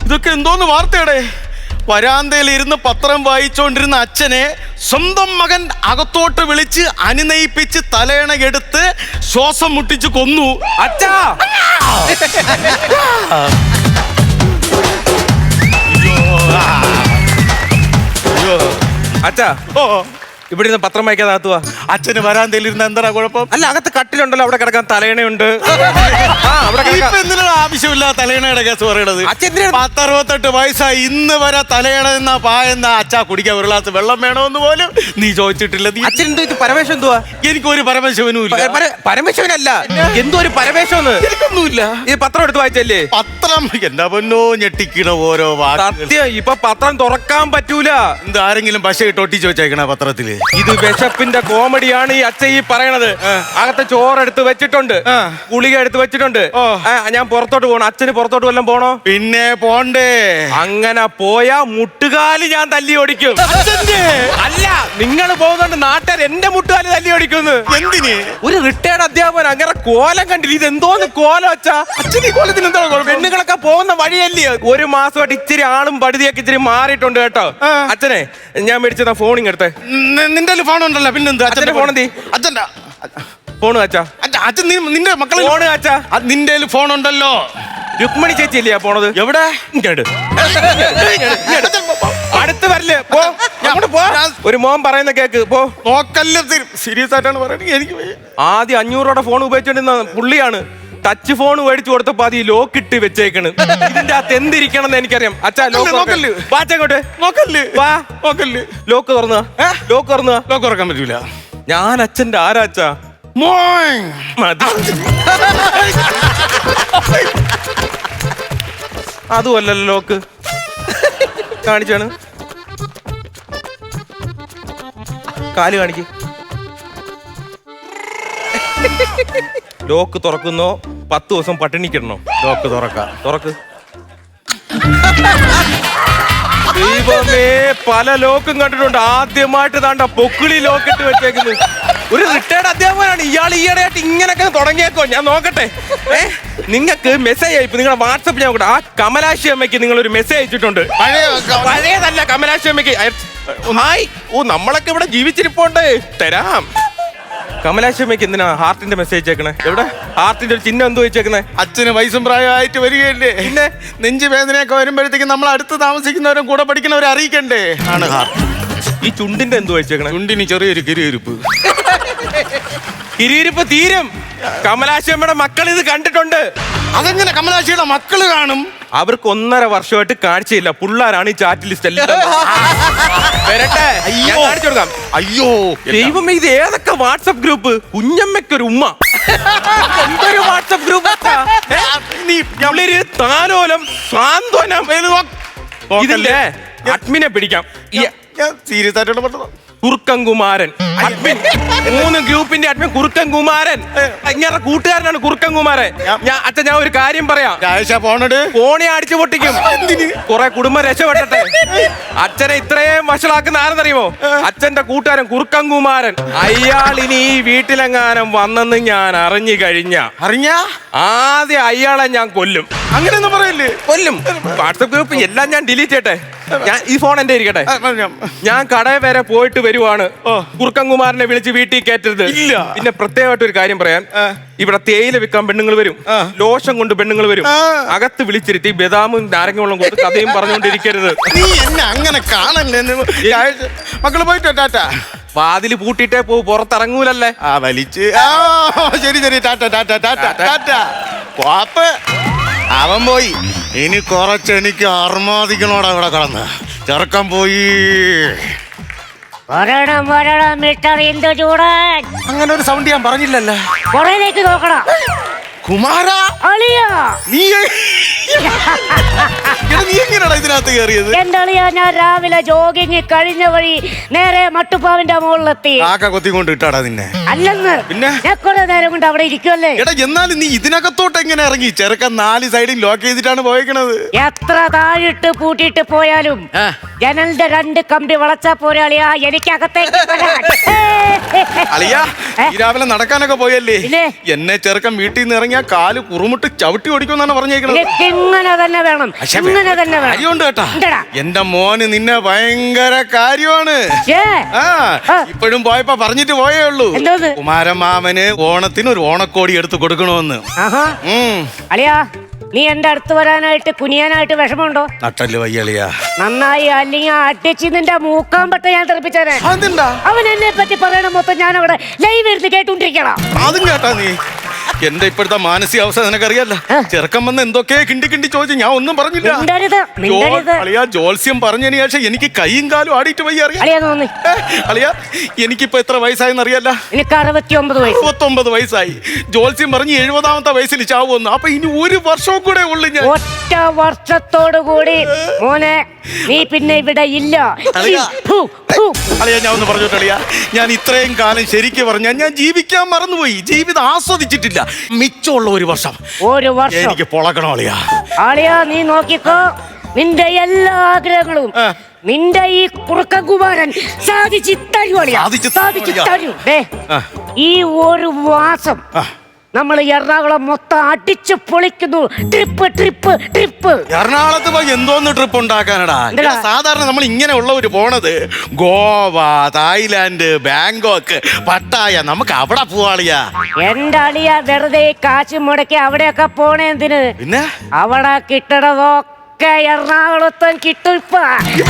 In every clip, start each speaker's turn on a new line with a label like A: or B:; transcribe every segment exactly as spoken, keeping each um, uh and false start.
A: ഇതൊക്കെ എന്തോന്ന് വാർത്തയുടെ? വരാന്തയിൽ ഇരുന്ന് പത്രം വായിച്ചുകൊണ്ടിരുന്ന അച്ഛനെ സ്വന്തം മകൻ അകത്തോട്ട് വിളിച്ച് അനുനയിപ്പിച്ച് തലയണ എടുത്ത് ശ്വാസം മുട്ടിച്ച് കൊന്നു.
B: അച്ഛാ അച്ഛാ
A: ഓ
B: ഇവിടെ നിന്ന് പത്രം വായിക്കാതെ അകത്തുവാ.
A: അച്ഛന് വരാന്തയിൽ ഇരുന്ന് എന്താ കുഴപ്പം?
B: അല്ല, അകത്ത് കട്ടിലുണ്ടല്ലോ, അവിടെ കിടക്കാൻ തലയണയുണ്ട്.
A: എന്തിനാണ് ആവശ്യമില്ല തലയണയുടെ കേസ് പറയണത്? പത്തറുപത്തെട്ട് വയസ്സായി ഇന്ന് വരെ തലയണ എന്നാ പായെന്ന അച്ഛാ കുടിക്കാൻ ഒരു ഗ്ലാസ് വെള്ളം വേണമെന്ന് പോലും നീ ചോദിച്ചിട്ടില്ല.
B: അച്ഛൻ എന്തോ ഇത് പരമേശ്വരൻ എന്തുവാ?
A: എനിക്കൊരു പരമശിവനും ഇല്ല.
B: പരമേശ്വരനല്ല, എന്തോ ഒരു പരമേശ്വരന്ന്.
A: എനിക്കൊന്നുമില്ല.
B: ഈ പത്രം എടുത്ത് വായിച്ചല്ലേ?
A: പത്രം എന്താ പൊന്നോ ഞെട്ടിക്കണ ഓരോ
B: സത്യം. ഇപ്പൊ പത്രം തുറക്കാൻ പറ്റൂല.
A: എന്ത് ആരെങ്കിലും പശ ഇട്ട് ഒട്ടിച്ച് വെച്ചേക്കണ പത്രത്തില്?
B: ഇത് വിശപ്പിന്റെ കോമഡിയാണ് ഈ അച്ഛൻ ഈ പറയണത്. അകത്തെ ചോറെടുത്ത് വെച്ചിട്ടുണ്ട്, ഗുളിക എടുത്ത് വെച്ചിട്ടുണ്ട്. ഞാൻ പുറത്തോട്ട് പോകണം. അച്ഛന് പുറത്തോട്ട് വല്ലതും പോണോ?
A: പിന്നെ പോണ്ടേ.
B: അങ്ങനെ പോയാ മുട്ടുകാല് ഞാൻ തല്ലി ഓടിക്കും. അല്ല, നിങ്ങൾ പോകുന്നുണ്ട് നാട്ടുകാർ എന്റെ മുട്ടുകാല് തല്ലി ഓടിക്കുന്നു.
A: എന്തിന്?
B: ഒരു റിട്ടയർഡ് അധ്യാപകൻ അങ്ങനെ കോലം കണ്ടില്ല. ഇത് എന്തോന്ന് കോലം വെച്ചാ?
A: അച്ഛൻ ഈ കോലത്തിന് എന്താ
B: പെണ്ണുങ്ങളൊക്കെ പോകുന്ന വഴിയല്ലേ? ഒരു മാസമായിട്ട് ഇച്ചിരി ആളും പടുതിയൊക്കെ ഇച്ചിരി മാറിയിട്ടുണ്ട് കേട്ടോ. അച്ഛനെ ഞാൻ മേടിച്ചതാ ഫോണിങ് എടുത്തേ.
A: നിന്റെ ഫോൺ ഉണ്ടല്ലോ, പിന്നെന്താ?
B: അച്ഛന്റെ ഫോൺ എന്തി?
A: അച്ഛൻ്റെ
B: ഫോണ് അച്ഛാ.
A: അച്ഛൻ നിന്റെ മക്കളെ
B: ഫോണ് അച്ഛാ.
A: നിന്റെ ഫോൺ ഉണ്ടല്ലോ.
B: രുക്മിണി ചേച്ചി ഇല്ലയാ പോണത്?
A: എവിടെ?
B: അടുത്ത് വരല്ലേ? പോ, പോ. ഒരു മോൻ പറയുന്ന കേക്ക്. പോ.
A: നോക്കല്ല, സീരിയസ് ആയിട്ടാണ് പറയുന്നത്. എനിക്ക്
B: ആദ്യം അഞ്ഞൂറോടെ ഫോൺ ഉപയോഗിച്ചോണ്ടിരുന്ന പുള്ളിയാണ്. ടച്ച് ഫോൺ മേടിച്ചു കൊടുത്തപ്പോ അത് ഈ ലോക്ക് ഇട്ട് വെച്ചേക്കണ്. ഇതിന്റെ അകത്ത് എന്തിരിക്കണം എന്ന് എനിക്കറിയാം. അച്ഛാ ലോക്ക് നോക്കല്ലേ? വാച്ചങ്ങോട്ട് നോക്കല്ലേ? വാ നോക്കല്ലേ? ലോക്ക് തുറന്ന ലോക്ക് തുറന്ന
A: ലോക്ക് തുറക്കാൻ പറ്റൂല.
B: ഞാൻ അച്ഛന്റെ ആരാ അച്ഛാ? മതി. അതുമല്ലല്ലോ ലോക്ക്. കാണിച്ചാണ് കാല് കാണിക്ക്. ലോക്ക് തുറക്കുന്നോ പത്ത് ദിവസം പട്ടിണിക്കിടണോ?
A: ലോക്ക് തുറക്കാം.
B: തുറക്ക്. ദൈവമേ, പല ലോക്കും കണ്ടിട്ടുണ്ട്. ആദ്യമായിട്ട് താണ്ട പൊക്കിളി ലോക്കിട്ട് വെച്ചേക്കുന്നത്. ഒരു റിട്ടയർഡ് അധ്യാപകനാണ് ഇയാൾ. ഈയിടെയായിട്ട് ഇങ്ങനൊക്കെ തുടങ്ങിയേക്കോ? ഞാൻ നോക്കട്ടെ. ഏ നിങ്ങൾക്ക് മെസ്സേജ് അയപ്പ് നിങ്ങളുടെ വാട്സപ്പ് ഞാൻ നോക്കട്ടെ. ആ കമലാശി അമ്മയ്ക്ക് നിങ്ങൾ ഒരു മെസ്സേജ് അയച്ചിട്ടുണ്ട്. പഴയതല്ല, കമലാശി അമ്മയ്ക്ക്. ഹായ്. ഓ, നമ്മളൊക്കെ ഇവിടെ ജീവിച്ചിരിപ്പോണ്ട്. തരാം. കമലാശി അമ്മയ്ക്ക് എന്തിനാ ഹാർട്ടിന്റെ മെസ്സേജ് അയച്ചേക്കണേ? എവിടെ ഹാർട്ടിന്റെ ഒരു ചിഹ്നം എന്തോ വെച്ചേക്കണേ?
A: അച്ഛന് വയസ്സും പ്രായമായിട്ട് വരികയല്ലേ, പിന്നെ നെഞ്ചു വേദനയൊക്കെ വരുമ്പോഴത്തേക്കും നമ്മൾ അടുത്ത് താമസിക്കുന്നവരും കൂടെ പഠിക്കുന്നവരെ അറിയിക്കണ്ടേ ആണ് ഹാർട്ട്.
B: ഈ ചുണ്ടിന്റെ എന്തോ വെച്ചേക്കണേ?
A: ചുണ്ടിന് ചെറിയൊരു കിരിയിരിപ്പ്.
B: കിരിയിരിപ്പ് തീരും. കമലാശി അമ്മയുടെ മക്കൾ ഇത് കണ്ടിട്ടുണ്ട്.
A: അതെങ്ങനെ കമലാശിയുടെ മക്കള് കാണും?
B: അവർക്ക് ഒന്നര വർഷമായിട്ട് കാഴ്ചയില്ല. പിള്ളേരാണ് ഈ ചാറ്റ് ലിസ്റ്റ് എല്ലാം. വരട്ടെ, കാണിച്ചു കൊടുക്കാം.
A: അയ്യോ
B: ദൈവമേ, ഇത് ഏതൊക്കെ വാട്സപ്പ് ഗ്രൂപ്പ്? കുഞ്ഞമ്മയ്ക്കൊരു ഉമ്മ. എന്തൊരു വാട്സപ്പ് ഗ്രൂപ്പ്! താലോലം, സാന്ത്വനം. ഇതില്ലേ അഡ്മിനെ പിടിക്കാം.
A: സീരിയസ് ആയിട്ടുള്ള പറഞ്ഞത്.
B: കുറുക്കൻകുമാരൻ അഡ്മിൻ. മൂന്ന് ഗ്രൂപ്പിന്റെ അഡ്മിൻ കുറുക്കൻകുമാരൻ. ഇങ്ങനെ കൂട്ടുകാരനാണ് കുറുക്കൻകുമാരൻ. ഞാൻ അച്ഛൻ ഞാൻ ഒരു കാര്യം പറയാം. ഫോണി അടിച്ചു പൊട്ടിക്കും. കുറെ കുടുംബം രക്ഷപ്പെട്ടെ. അച്ഛനെ ഇത്രയും വഷളാക്കുന്ന ആരെന്നറിയുമോ? അച്ഛന്റെ കൂട്ടുകാരൻ കുറുക്കൻകുമാരൻ. അയാൾ ഇനി ഈ വീട്ടിലെങ്ങാനും വന്നെന്ന് ഞാൻ അറിഞ്ഞു കഴിഞ്ഞ
A: അറിഞ്ഞ
B: ആദ്യം അയാളെ ഞാൻ കൊല്ലും.
A: അങ്ങനെയൊന്നും പറയില്ലേ?
B: കൊല്ലും. വാട്സപ്പ് ഗ്രൂപ്പ് എല്ലാം ഞാൻ ഡിലീറ്റ് ചെയ്യട്ടെ. ഞാൻ ഈ ഫോൺ എന്റെ ഇരിക്കട്ടെ. ഞാൻ കടയിൽ വരെ പോയിട്ട് വരുവാണ്. കുറുക്കൻകുമാരനെ വിളിച്ച് വീട്ടിൽ കയറ്റരുത്.
A: ഇല്ല.
B: പിന്നെ പ്രത്യേകമായിട്ട് ഒരു കാര്യം പറയാൻ, ഇവിടെ തേയില വിൽക്കാൻ പെണ്ണുങ്ങൾ വരും, ലോഷം കൊണ്ട് പെണ്ണുങ്ങൾ വരും. അകത്ത് വിളിച്ചിരുത്തി ബദാമും നാരങ്ങ വെള്ളം കൊണ്ട് കഥയും പറഞ്ഞുകൊണ്ടിരിക്കരുത്.
A: നീ എന്നെ അങ്ങനെ കാണല്ലേ. മക്കള് പോയിട്ടോ ടാറ്റ.
B: വാതില് പൂട്ടിട്ടേ പോ, പുറത്തിറങ്ങൂലല്ലേ.
A: ആ വലിച്ച്. ശരി ശരി, ടാറ്റ ടാറ്റ ടാറ്റ ടാറ്റ. പാപ്പ് അവൻ പോയി. ഇനി കുറച്ച് എനിക്ക് അർമാദിക്കണോടാ ഇവിടെ കടന്ന്. ചെറുക്കം പോയി.
C: വരണം വരണം മിസ്റ്റർ ഇന്ദു ചൂടൻ.
A: അങ്ങനെ ഒരു സൗണ്ട് ഞാൻ പറഞ്ഞില്ലല്ലോ.
C: പുറയിലേക്ക് നോക്കണം.
A: കുമാര
C: അളിയാ,
A: നീ നീ എങ്ങനെയാ ഇതിനകത്ത് കയറിയത്?
C: എന്റെ അളിയാ, ഞാൻ രാവിലെ ജോഗിങ് കഴിഞ്ഞ വഴി നേരെ മട്ടുപ്പാവിന്റെ മുകളിലെത്തി.
A: കാക്ക കൊത്തിക്കൊണ്ട് ഇട്ടാടാ നിന്നെ?
C: അല്ലെന്ന്,
A: പിന്നെ
C: ഞാൻ കുറെ നേരം കൊണ്ട് അവിടെ ഇരിക്കുമല്ലേ.
A: എടാ, എന്നാലും നീ ഇതിനകത്തോട്ട് എങ്ങനെ ഇറങ്ങി? ചെറുക്കൻ നാല് സൈഡിൽ ലോക്ക് ചെയ്തിട്ടാണ് പോയേക്കണത്.
C: എത്ര താഴിട്ട് പൂട്ടിയിട്ട് പോയാലും ജനലിന്റെ രണ്ട് കമ്പി വളച്ചാ പോരാളിയാ എനിക്കകത്തേക്ക്.
A: അളിയാ ഈ രാവിലെ നടക്കാനൊക്കെ പോയല്ലേ
C: പിന്നെ?
A: എന്നെ ചെറുക്കൻ വീട്ടിൽ നിന്ന് ഇറങ്ങിയ കാല് കുറുമുട്ട് ചവിട്ടി ഓടിക്കുമെന്നാണ് പറഞ്ഞേക്കുന്നത്.
C: ഇങ്ങനെ തന്നെ വേണം, ഇങ്ങനെ തന്നെ വേണം.
A: കാര്യമുണ്ട് കേട്ടാ,
C: ഉണ്ടെടാ.
A: എന്റെ മോന് നിന്നെ ഭയങ്കര കാര്യമാണ്.
C: ഛേ,
A: ആ
C: ആ.
A: ഇപ്പോഴും പോയപ്പോ പറഞ്ഞിട്ട് പോയേ ഉള്ളൂ,
C: എന്തോന്ന്?
A: കുമാരമാമന് ഓണത്തിന് ഒരു ഓണക്കോടി എടുത്ത് കൊടുക്കണമെന്ന്.
C: ആഹാ.
A: ഉം.
C: അളിയാ, നീ എന്റെ അടുത്ത് വരാനായിട്ട് കുനിയാനായിട്ട് വിഷമമുണ്ടോ?
A: നട്ടല് വയ്യളിയാ.
C: നന്നായി, അല്ലെങ്കിൽ അടിച്ച് നിന്റെ മൂക്കാൻ പറ്റ ഞാൻ തെറിപ്പിച്ചേനെ.
A: അതെന്താ?
C: അവൻ എന്നെ പറ്റി പറയണ മൊത്തം ഞാൻ അവിടെ ലൈവ് എടുത്ത് കേട്ടോണ്ടിരിക്കണം.
A: അതും കേട്ടാ നീ. എന്റെ ഇപ്പോഴത്തെ മാനസികാവസ്ഥ നിനക്കറിയാലോ. ചെറുക്കം വന്ന് എന്തൊക്കെ കിണ്ടി കിണ്ടി ചോദിച്ചു, ഞാൻ ഒന്നും പറഞ്ഞില്ല.
C: മിണ്ടരുത്, മിണ്ടരുത്.
A: അളിയാ, ജോത്സ്യം പറഞ്ഞതിന് ശേഷം എനിക്ക് കൈയും കാലും ആടിയിട്ട് വയ്യ. അറിയാം
C: അളിയാ, തോന്നി
A: അളിയാ, എനിക്കിപ്പോ എത്ര വയസ്സായെന്ന് അറിയാല്ല?
C: എനിക്ക് അറുപത്തി ഒമ്പത് വയസ്സ്.
A: അറുപത്തൊമ്പത് വയസ്സായി. ജോത്സ്യം പറഞ്ഞ് എഴുപതാമത്തെ വയസ്സിൽ ചാവുമെന്ന്. അപ്പൊ ഇനി ഒരു വർഷവും കൂടെ ഉള്ളു ഞാൻ.
C: ഒറ്റ വർഷത്തോടു കൂടി മോനെ നീ പിന്നെ ഇവിടെ ഇല്ല.
A: അളിയാ.
C: ഫു, ഫു.
A: അളിയാ, ഞാൻ ഒന്ന് പറഞ്ഞോട്ടെ അളിയാ, ഞാൻ ഇത്രയും കാലം ശരിക്കും പറഞ്ഞാൽ ഞാൻ ജീവിക്കാൻ മറന്നുപോയി, ജീവിതം ആസ്വദിച്ചിട്ടില്ല. മിച്ചമുള്ള ഒരു വർഷം
C: ഒരു വർഷം
A: എനിക്ക് പൊളക്കണം അളിയാ.
C: ആളിയാ, നീ നോക്കിക്കോ, നിന്റെ എല്ലാ ആഗ്രഹങ്ങളും
A: ആ.
C: നിന്റെ ഈ കുറുക്കകുമാരൻ സാധിച്ചു തരൂ അളിയാ,
A: സാധിച്ച്
C: സാധിച്ചു
A: തരും.
C: തരൂ. ദേ,
A: ആ.
C: ഈ ഒരു മാസം
A: ആ.
C: നമ്മൾ എറണാകുളം മൊത്തം അടിച്ചു പൊളിക്കുന്നു. Trip trip trip.
A: എറണാകുളത്ത് പോയി എന്തോന്ന് ട്രിപ്പ് ഉണ്ടാക്കാനടാ?
C: എന്തെടാ?
A: ഇവിടെ സാധാരണ നമ്മൾ ഇങ്ങനെ ഉള്ളവര് പോണത് ഗോവ, തായ്ലാന്റ്, ബാങ്കോക്ക്, പട്ടായ. നമുക്ക് അവിടെ പോവാളിയാ.
C: എന്റെ അളിയ വെറുതെ കാശ് മുടക്കി അവിടെയൊക്കെ പോണേ എന്തിന്?
A: പിന്നെ
C: അവിടെ കിട്ടണതൊക്കെ എറണാകുളത്തും കിട്ടും ഇപ്പൊ.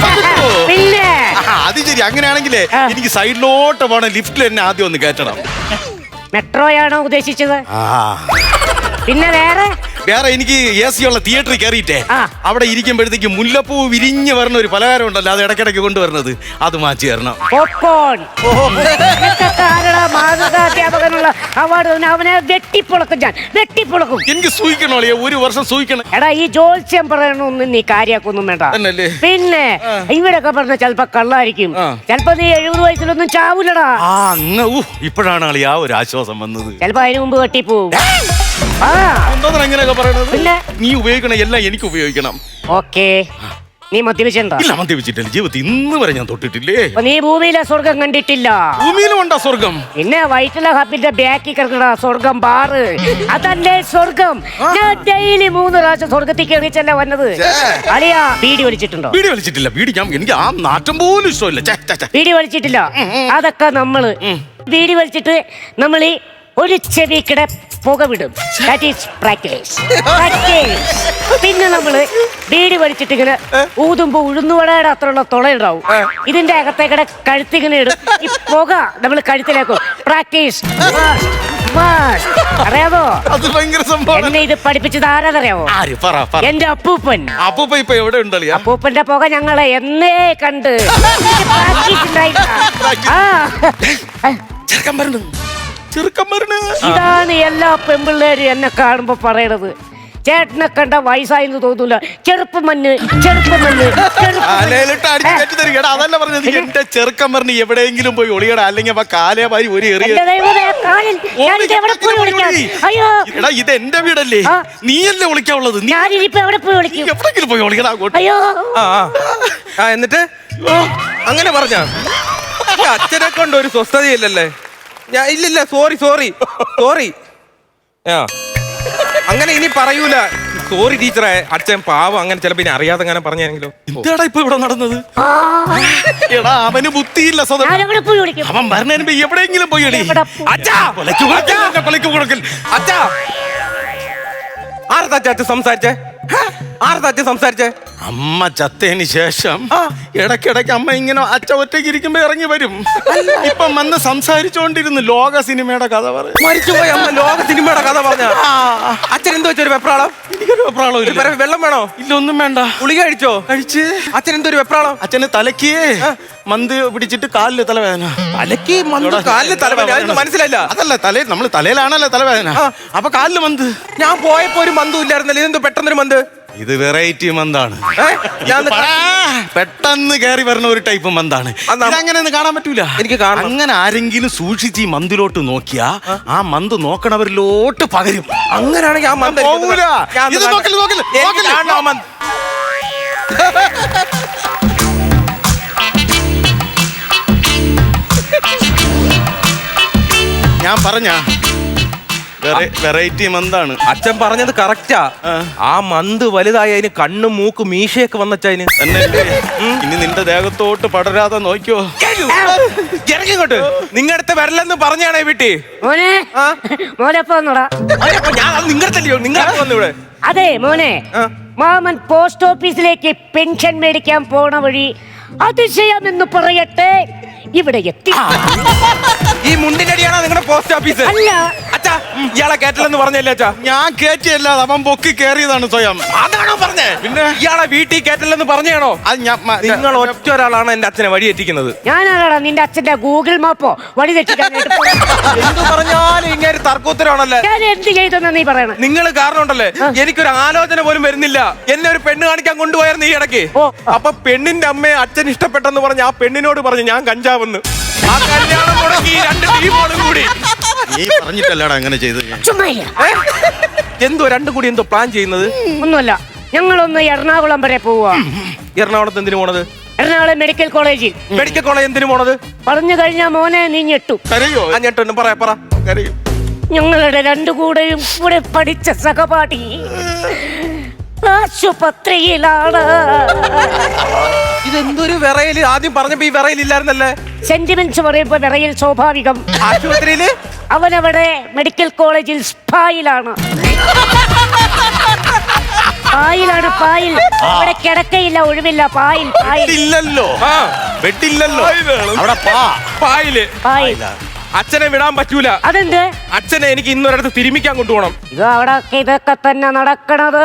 C: പിന്നെ
A: ആഹാ, അത് ശരി. അങ്ങനെയാണെങ്കിലേ
C: ആ.
A: എനിക്ക് സൈഡിലോട്ട് പോണ ലിഫ്റ്റിൽ എന്നെ ആദ്യം ഒന്ന് കയറ്റണം.
C: മെട്രോയാണോ ഉദ്ദേശിച്ചത്?
A: ആ.
C: പിന്നെ വേറെ
A: വേറെ എനിക്ക് എ സി ഉള്ള തിയേറ്ററിൽ കയറിയിട്ടേ
C: ആ.
A: അവിടെ ഇരിക്കുമ്പോഴത്തേക്ക് മുല്ലപ്പൂ വിരിഞ്ഞ് വരുന്ന ഒരു പലഹാരം ഉണ്ടല്ലോ, അത് ഇടയ്ക്കിടയ്ക്ക് കൊണ്ടുവരുന്നത്, അത് മാറ്റി തരണം.
C: പോപ്കോൺ. നിനക്കൊക്കെ ആരെടാ മാതൃകാധ്യാപകനുള്ള അവാർഡ് തന്നെ? അവനെ വെട്ടിപ്പൊളക്കും ഞാൻ, വെട്ടിപ്പൊളക്കും.
A: എനിക്ക് സൂഹിക്കണോ അളിയാ? ഒരു വർഷം സൂഹിക്കണം.
C: എടാ, ഈ ജോത്സ്യം പറയണൊന്നും നീ കാര്യാക്കൊന്നും വേണ്ട.
A: തന്നല്ലേ?
C: പിന്നെ ഇവിടൊക്കെ പറഞ്ഞ ചിലപ്പോ കള്ളായിരിക്കും.
A: ആ.
C: ചിലപ്പോ നീ എഴുപത് വയസ്സിലൊന്നും ചാവൂലടാ.
A: ആ അങ്ങ് ഊ ഇപ്പോഴാണ് അളിയാ ഒരു ആശ്വാസം വന്നത്.
C: ചിലപ്പോ അതിന് മുമ്പ് കെട്ടിപ്പോവും. ആ
A: എന്തോന്നാ അങ്ങനെയൊക്കെ പറയണത്?
C: പിന്നെ
A: നീ ഉപയോഗിക്കണ എല്ലാം എനിക്ക് ഉപയോഗിക്കണം.
C: ഓക്കേ, നീ മദ്യപിച്ചിട്ടുണ്ടോ?
A: ഇല്ല, മദ്യപിച്ചിട്ടില്ല. ജീവിതത്തിൽ ഇന്ന് വരെ ഞാൻ തൊട്ടിട്ടില്ലേ.
C: അപ്പൊ നീ ഭൂമിയിലെ സ്വർഗം കണ്ടിട്ടില്ല.
A: ഭൂമിയിലും ഉണ്ടാ സ്വർഗം?
C: പിന്നെ വൈറ്റില ഹബിന്റെ ബാക്കി കിടക്കണ സ്വർഗം ബാറ്, അതല്ലേ സ്വർഗം. ഞാൻ ഡെയിലി മൂന്ന് പ്രാവശ്യം സ്വർഗത്തിൽ കയറിച്ചല്ലേ വന്നത്. അളിയാ, ബീഡി വലിച്ചിട്ടുണ്ടോ?
A: വീഡിയോ വലിച്ചിട്ടില്ല. വീഡിയോ ഞാൻ എനിക്ക് ആ നാറ്റം പോലും ഇഷ്ടമില്ല. ഛെ, ഛെ, ഛെ.
C: ബീഡി വലിച്ചിട്ടില്ല. അതൊക്കെ നമ്മള് ബീഡി വലിച്ചിട്ട് നമ്മൾ ഈ ഒരു ചെവിക്കിടെ പുക വിടും. That is practice. പ്രാക്ടീസ്. പിന്നെ നമ്മള് ബീഡി വലിച്ചിട്ട് ഇങ്ങനെ ഊതുമ്പോ ഉഴുന്നുവടയുടെ അത്രയുള്ള തുളയുണ്ടാവും. ഇതിന്റെ അകത്തേക്കടെ കഴുത്തിങ്ങനെ ഇടും. ഈ പുക നമ്മൾ കഴുത്തിലേക്കും. പ്രാക്ടീസ്. അറിയാമോ?
A: അത് ഭയങ്കര സംഭവം.
C: എന്നെ ഇത് പഠിപ്പിച്ചത് ആരാന്നറിയാമോ?
A: ആര്? പറ, പറ.
C: എന്റെ അപ്പൂപ്പൻ.
A: അപ്പൂപ്പ ഇപ്പൊ എവിടെ ഉണ്ടല്ലോ?
C: അപ്പൂപ്പന്റെ പുക ഞങ്ങളെ എന്നേ കണ്ട് പ്രാക്ടീസ് ഉണ്ടായിട്ടാ. ആ.
A: ചെറുക്കൻ വരണു, ചെറുക്കൻ വരണു.
C: ഇതാണ് എല്ലാ പെമ്പിള്ളേരും എന്നെ കാണുമ്പോ പറയണത്. ചേട്ടനെ കണ്ട വയസ്സായെന്ന് തോന്നൂല. ചെറുപ്പം മണ്ണ്, ചെറുപ്പം മണ്ണ്,
A: കാലയിലിട്ട് അടിച്ച് കയറ്റി തരിക. എടാ, അതല്ല പറഞ്ഞത്. എന്റെ ചെറുക്കൻ പറഞ്ഞ് എവിടെയെങ്കിലും പോയി ഒളിയടാ, അല്ലെങ്കിൽ അപ്പൊ കാലേ മാരി ഒരു എറിയ. എടാ, ഇത് എന്റെ വീടല്ലേ, നീയല്ലേ ഒളിക്കാവുള്ളത്. നീ
C: ഞാനിപ്പോ എവിടെ പോയി വിളിക്കും?
A: എവിടെങ്കിലും പോയി ഒളിക്കടാ അങ്ങോട്ട്.
C: അയ്യോ,
B: ആ ആ. ആ എന്നിട്ട് അങ്ങനെ പറഞ്ഞ അച്ഛനെ കൊണ്ട് ഒരു സ്വസ്ഥതയില്ലല്ലേ? ഞാൻ ഇല്ലില്ല, സോറി സോറി സോറി. ആ അങ്ങനെ ഇനി പറയൂല. സോറി ടീച്ചറെ, അച്ഛൻ പാവം. അങ്ങനെ ചിലപ്പോ ഇനി അറിയാതെ അങ്ങനെ പറഞ്ഞെങ്കിലോ.
A: എന്താടാ ഇപ്പൊ ഇവിടെ നടന്നത്? എടാ, അവന് ബുദ്ധിയില്ല സ്വതം.
C: ഞാനെവിടെ പോയി വിളിക്കും?
A: അവൻ പറഞ്ഞതിന് മുമ്പ് എവിടെയെങ്കിലും പോയി എടി.
C: എവിടെ പോയി?
A: അച്ഛാ, കൊലയ്ക്ക് കൊടുക്കൽ, എന്നെ കൊലയ്ക്ക് കൊടുക്കൽ.
B: അച്ഛാ, ആർത്താ അച്ഛൻ സംസാരിച്ചേ? ആർത്താ അച്ഛൻ സംസാരിച്ചേ?
A: അമ്മ ചത്തതിന് ശേഷം ഇടയ്ക്കിടയ്ക്ക് അമ്മ ഇങ്ങനെ അച്ഛ ഒറ്റയ്ക്ക് ഇരിക്കുമ്പോ ഇറങ്ങി വരും. ഇപ്പം വന്ന് സംസാരിച്ചോണ്ടിരുന്നു ലോക സിനിമയുടെ കഥ പറയും.
B: മരിച്ചുപോയ അമ്മ ലോക സിനിമയുടെ കഥ പറഞ്ഞ അച്ഛൻ എന്തോ വെച്ചൊരു വെപ്രാളം?
A: എനിക്കൊരു വെപ്രാളം ഇല്ല.
B: വേറെ വെള്ളം വേണോ?
A: ഇല്ല, ഒന്നും വേണ്ട.
B: ഗുളിക കഴിച്ചോ?
A: കഴിച്ച്.
B: അച്ഛൻ എന്തോ ഒരു വെപ്രാളം?
A: അച്ഛന് തലക്ക് മന്ത് പിടിച്ചിട്ട് കാലില് തലവേദന.
B: തലക്ക് മന്ത്, കാലില് തലവേദന? അതൊന്നും മനസ്സിലായില്ല.
A: അതല്ല, തലേ നമ്മള് തലയിലാണല്ലോ തലവേദന. അപ്പൊ കാലില് മന്ത്.
B: ഞാൻ പോയപ്പോ ഒരു മന്തും ഇല്ലായിരുന്നല്ലോ. ഇതെന്തോ പെട്ടെന്നൊരു മന്ത്?
A: ഇത് വെറൈറ്റി മന്താണ്.
B: ഞാൻ
A: പെട്ടെന്ന് കയറി വരുന്ന ഒരു ടൈപ്പ് മന്താണ്. അങ്ങനെ കാണാൻ പറ്റൂല.
B: എനിക്ക് കാണാം.
A: അങ്ങനെ ആരെങ്കിലും സൂക്ഷിച്ച് ഈ മന്തിലോട്ട് നോക്കിയാ ആ മന്ത് നോക്കണവരിലോട്ട് പകരും.
B: അങ്ങനെയാണെങ്കിൽ ആ മന്ത്
A: പോകൂല. ഇത് നോക്കല്, നോക്കല്, നോക്കല്.
B: കാണണം മന്ത്.
A: ഞാൻ പറഞ്ഞ വെറൈറ്റി മന്താണ്.
B: അച്ഛൻ പറഞ്ഞത് കറക്റ്റാ.
A: ആ.
B: ആ മന്ത് വലുതായി അതിന് കണ്ണും മൂക്കും മീശയൊക്കെ വന്നച്ചതിന്.
A: എന്നല്ലേ ഇനി നിന്റെ ദേഹത്തോട്ട് പടരാതെ നോക്കിയോ.
B: ഇറങ്ങിങ്ങോട്ട്. നിങ്ങടുത്ത് വരലെന്ന് പറഞ്ഞാണേ വീട്ടി.
C: മോനെ
B: ആ?
C: മോനെ പോന്നോടാ.
B: ഞാൻ അത് നിങ്ങടത്തല്ലയോ? നിങ്ങളെ വന്നു ഇവിടെ.
C: അതെ മോനെ,
B: ആ.
C: മാമൻ പോസ്റ്റ് ഓഫീസിലേക്ക് പെൻഷൻ മേടിക്കാൻ പോണ വഴി അതിശയമെന്ന് പറയട്ടെ ഇവിടെ എത്തി.
B: ഈ മുണ്ടിനടിയാണോ നിങ്ങളുടെ പോസ്റ്റ് ഓഫീസ്?
C: അല്ല.
B: അച്ഛാ ഇയാളെ കേട്ടില്ലെന്ന് പറഞ്ഞല്ലേ അച്ഛാ?
A: ഞാൻ കേറ്റിയല്ല, അവൻ പൊക്കി കേറിയതാണ് സ്വയം.
B: അതാണോ പറഞ്ഞേ?
A: പിന്നെ?
B: ഇയാളെ വീട്ടിൽ കേട്ടില്ലെന്ന് പറഞ്ഞാണോ?
A: അത് ഞാൻ മ-
B: നിങ്ങൾ ഒറ്റ ഒരാളാണ് എന്റെ അച്ഛനെ വഴിയെറ്റിക്കുന്നത്.
C: ഞാനാടാ നിന്റെ അച്ഛന്റെ ഗൂഗിൾ മാപ്പോ വഴി തെറ്റിക്കാനായിട്ട് പോയത്.
B: എന്ത് പറഞ്ഞാലും ഇങ്ങനെ തർക്കോത്തരമാണല്ലേ?
C: ഞാൻ എന്ത് ചെയ്തെന്നാ നീ പറയണേ?
B: നിങ്ങൾ കാരണം ഉണ്ടല്ലേ എനിക്കൊരു ആലോചന പോലും വരുന്നില്ല. എന്നെ ഒരു പെണ്ണ് കാണിക്കാൻ കൊണ്ടുപോയായിരുന്നു ഈ ഇടയ്ക്ക്.
C: ഓ.
B: അപ്പൊ പെണ്ണിന്റെ അമ്മയെ അച്ഛൻ ഇഷ്ടപ്പെട്ടെന്ന് പറഞ്ഞ് ആ പെണ്ണിനോട് പറഞ്ഞു ഞാൻ കഞ്ചാവെന്ന്. ആ കല്യാണം മുടങ്ങി ഈ രണ്ട് ടീമുകളും കൂടി.
A: നീ പറഞ്ഞിട്ടല്ലടാ അങ്ങനെ ചെയ്ത്.
C: ചുമ്മാ ഇല്ല.
B: ഏ? എന്തോ രണ്ടും കൂടി എന്തോ പ്ലാൻ ചെയ്യുന്നത്?
C: ഒന്നുമല്ല, ഞങ്ങളൊന്ന് എറണാകുളം വരെ പോവാ.
B: എറണാകുളത്ത് എന്തിനു പോണത്?
C: എറണാകുളം മെഡിക്കൽ കോളേജിൽ.
B: മെഡിക്കൽ കോളേജ് എന്തിനു പോണത്?
C: പറഞ്ഞു കഴിഞ്ഞാ മോനെ നീ ഞെട്ടു.
A: കരയോ?
B: ആ ഞെട്ടൊന്നും പറയാ പറ.
A: കരയോ?
C: ഞങ്ങളുടെ രണ്ടു കൂടെയും കൂടെ പഠിച്ച സഹപാഠി ആശുപത്രിയിലാണ്.
B: ഇതെന്തൊരു വിറയില്? ആദ്യം പറഞ്ഞപ്പോ ഈ വിറയിലില്ലായിരുന്നല്ലേ?
C: സെന്റിമെന്റ്സ് പറയുമ്പോ വിറയിൽ സ്വാഭാവികം.
B: ആശുപത്രിയില്
C: അവനവിടെ മെഡിക്കൽ കോളേജിൽ സ്പായിലാണ്. പായിലാണ്, പായിൽ. അവിടെ കിടക്കയില്ല, ഒഴിവില്ല, പായിൽ, പായിൽ.
A: ഇല്ലല്ലോ,
B: ആ
A: വെട്ടില്ലല്ലോ അവിടെ. പാ
B: പായില്
C: പായിൽ.
B: അച്ഛനെ വിടാൻ പറ്റൂല.
C: അതെന്ത്?
B: അച്ഛനെ എനിക്ക് ഇന്നൊരിടത്ത് തിരുമിക്കാൻ കൊണ്ടുപോകണം.
C: ഇത് അവിടെ ഇതൊക്കെ തന്നെ നടക്കണത്.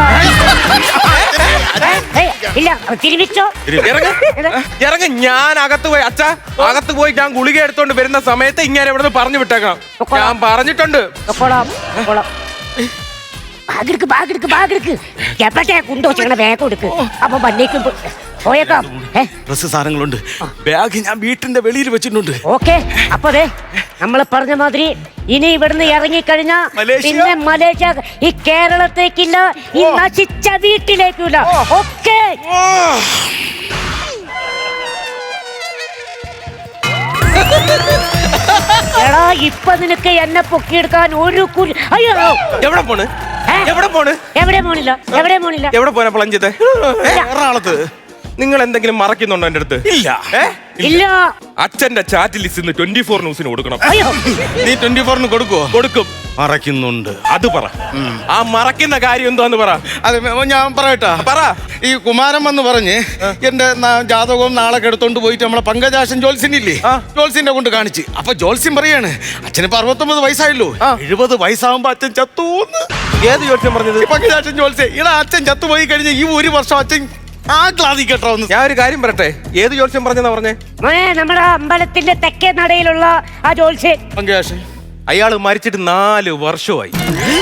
C: ഏയ്, ഇല്ല തിരിമിച്ചോ.
B: ഇറങ്ങ ഇറങ്ങ ഞാൻ അകത്ത് പോയി അച്ഛ അകത്ത് പോയി ഞാൻ ഗുളിക എടുത്തോണ്ട് വരുന്ന സമയത്ത് ഇങ്ങനെ ഇവിടെ നിന്ന് പറഞ്ഞു വിട്ടേക്കാം. ഞാൻ പറഞ്ഞിട്ടുണ്ട്.
C: കൊള്ളാം, കൊള്ളാം. ബാഗെടുക്ക്, ബാഗെടുക്ക്, ബാഗെടുക്ക്. എപ്പോഴത്തെ കുണ്ടോ ചെയ്യണ ബാഗ് എടുക്ക്. അപ്പൊ വന്നേക്കും പോയേക്കാം.
A: ഡ്രസ് സാധനങ്ങളുണ്ട്. ബാഗ് ഞാൻ വീട്ടിന്റെ വെളിയിൽ വെച്ചിട്ടുണ്ട്.
C: ഓക്കെ. അപ്പൊ അതെ നമ്മൾ പറഞ്ഞ മാതിരി ഇനി ഇവിടുന്ന് ഇറങ്ങിക്കഴിഞ്ഞാ
A: മലേഷ്യ?
C: പിന്നെ മലേഷ്യ, ഈ കേരളത്തേക്കില്ല, ഈ നശിച്ച വീട്ടിലേക്കില്ല. ഓക്കെ. എടാ ഇപ്പൊ നിനക്ക് എന്നെ പൊക്കിയെടുക്കാൻ ഒരു കുരി. അയ്യോ,
B: എവിടെ പോണ്?
C: ഏ?
B: എവിടെ പോണ്?
C: എവിടെ പോണില്ല, എവിടെ പോണില്ല.
B: എവിടെ പോനാ പ്ലഞ്ചത്തെ?
A: എറണാകുളത്ത്
B: നിങ്ങൾ എന്തെങ്കിലും മറക്കുന്നുണ്ടോ എന്റെ അടുത്ത്?
A: ഇല്ല.
B: ഏ?
C: ഇല്ല.
B: അച്ഛന്റെ ചാറ്റ് ലിസ്റ്റ് ഇന്ന് ട്വന്റി ഫോർ ന്യൂസിന് കൊടുക്കണം.
C: അയ്യോ,
A: നീ ട്വന്റി ഫോറിന് കൊടുക്കുവോ?
B: കൊടുക്കും.
A: മറക്കുന്നുണ്ട്.
B: അത് പറ. ആ മറക്കുന്ന കാര്യം എന്താന്ന് പറ.
A: അത് ഞാൻ പറയട്ടാ.
B: പറ.
A: ഈ കുമാരൻ വന്ന് പറഞ്ഞ് എന്റെ ന- ജാതകവും നാളെ എടുത്തോണ്ട് പോയിട്ട് നമ്മളെ പങ്കജാശൻ ജോൽസിനില്ലേ,
B: ആ.
A: ജോൽസിന്റെ കൊണ്ട് കാണിച്ച്. അപ്പൊ ജോൽസിൻ പറയാണ് അച്ഛനിപ്പോ അറുപത്തൊമ്പത് വയസ്സായല്ലോ,
B: ആ.
A: എഴുപത് വയസ്സാകുമ്പോ അച്ഛൻ ചത്തൂന്ന്.
B: ഏത് ജോത്സ്യം പറഞ്ഞത്?
A: ഈ പങ്കജാശൻ ജോൽസെ ഇടാ അച്ഛൻ ചത്തുപോയി കഴിഞ്ഞ ഈ ഒരു വർഷം അച്ഛൻ ആ ക്ലാതി കേട്ടോ ഒന്ന്.
B: ഞാൻ ഒരു കാര്യം പറയട്ടെ. ഏത് ജോത്സ്യം പറഞ്ഞെന്നാ പറഞ്ഞേ?
C: മോനെ നമ്മുടെ അമ്പലത്തിന്റെ തെക്കേ നടയിലുള്ള ആ ജോത്സ്യൻ.
A: പങ്കജാശൻ
B: അയാള് മരിച്ചിട്ട് നാല് വർഷമായി.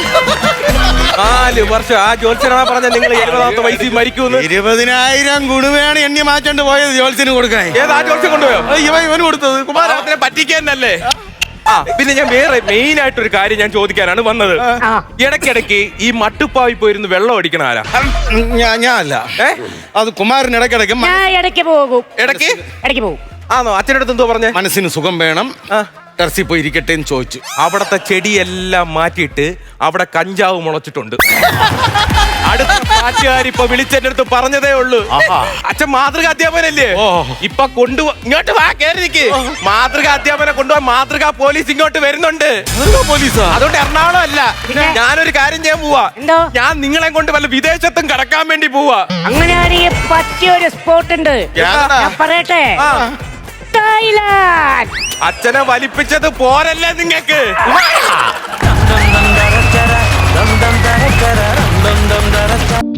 B: നാല് വർഷം. ആ ജോത്സ്യനാ പറഞ്ഞ നിങ്ങൾ എഴുപതാമത്തെ വയസ്സിൽ മരിക്കൂന്ന്.
A: ഇരുപതിനായിരം ഗുണവേണ് എണ്ണി മാറ്റേണ്ടി പോയത് ജോൽസിന് കൊടുക്കാൻ.
B: ഏത് ആ ജോത്സ്യം കൊണ്ടുപോയോ?
A: ഇവ ഇവന് കൊടുത്തത് കുമാരൻ.
B: കുമാരത്തിനെ പറ്റിക്കാനല്ലേ? ആ പിന്നെ ഞാൻ വേറെ മെയിൻ ആയിട്ടൊരു കാര്യം ഞാൻ ചോദിക്കാനാണ് വന്നത്.
C: ആ.
B: ഇടയ്ക്കിടയ്ക്ക് ഈ മട്ടുപ്പാവിൽ പോയിരുന്ന് വെള്ളം അടിക്കണ ആരാ?
A: ഞാൻ ഞാൻ അല്ല,
B: ഏ?
A: അത് കുമാരൻ ഇടയ്ക്കിടയ്ക്ക് മ-
C: ഞാൻ ഇടയ്ക്ക് പോകും,
B: ഇടയ്ക്ക്
C: ഇടയ്ക്ക് പോകും.
B: ആണോ? അച്ഛൻ്റെ അടുത്ത് എന്തോ പറഞ്ഞേ?
A: മനസ്സിന് സുഖം വേണം,
B: ആ.
A: ടെറസിൽ പോയി ഇരിക്കട്ടെ എന്ന് ചോദിച്ചു.
B: അവിടത്തെ ചെടിയെല്ലാം മാറ്റിയിട്ട് അവിടെ കഞ്ചാവ് മുളച്ചിട്ടുണ്ട്. അടുത്ത പാട്ടുകാർ ഇപ്പൊ വിളിച്ചെന്റെ അടുത്ത് പറഞ്ഞതേ ഉള്ളൂ.
A: ആഹാ.
B: അച്ഛൻ മാതൃക അധ്യാപനല്ലേ?
A: ഓ.
B: ഇപ്പൊ കൊണ്ടുപോ ഇങ്ങോട്ട് വാ, കേറി നിക്ക്. മാതൃക അധ്യാപനം കൊണ്ടുപോകാൻ മാതൃക പോലീസ് ഇങ്ങോട്ട് വരുന്നുണ്ട്.
A: പോലീസാ?
B: അതുകൊണ്ട് എറണാകുളം അല്ല,
C: പിന്നെ?
B: ഞാനൊരു കാര്യം ചെയ്യാൻ പോവാ.
C: എന്തോ?
B: ഞാൻ നിങ്ങളെ കൊണ്ട് വല്ല വിദേശത്തും കടക്കാൻ വേണ്ടി പോവാ.
C: അങ്ങനെയാണെങ്കിൽ പറ്റിയ ഒരു സ്പോട്ട് ഉണ്ട്.
A: ഏതാടാ?
C: ഞാൻ പറയട്ടെ,
B: ആ.
C: തായ്ലാൻഡ്.
B: അച്ഛനെ വലിപ്പിച്ചത് പോരല്ലേ നിങ്ങക്ക്?
D: dum dum dum da da da dum dum da da da dum dum da da da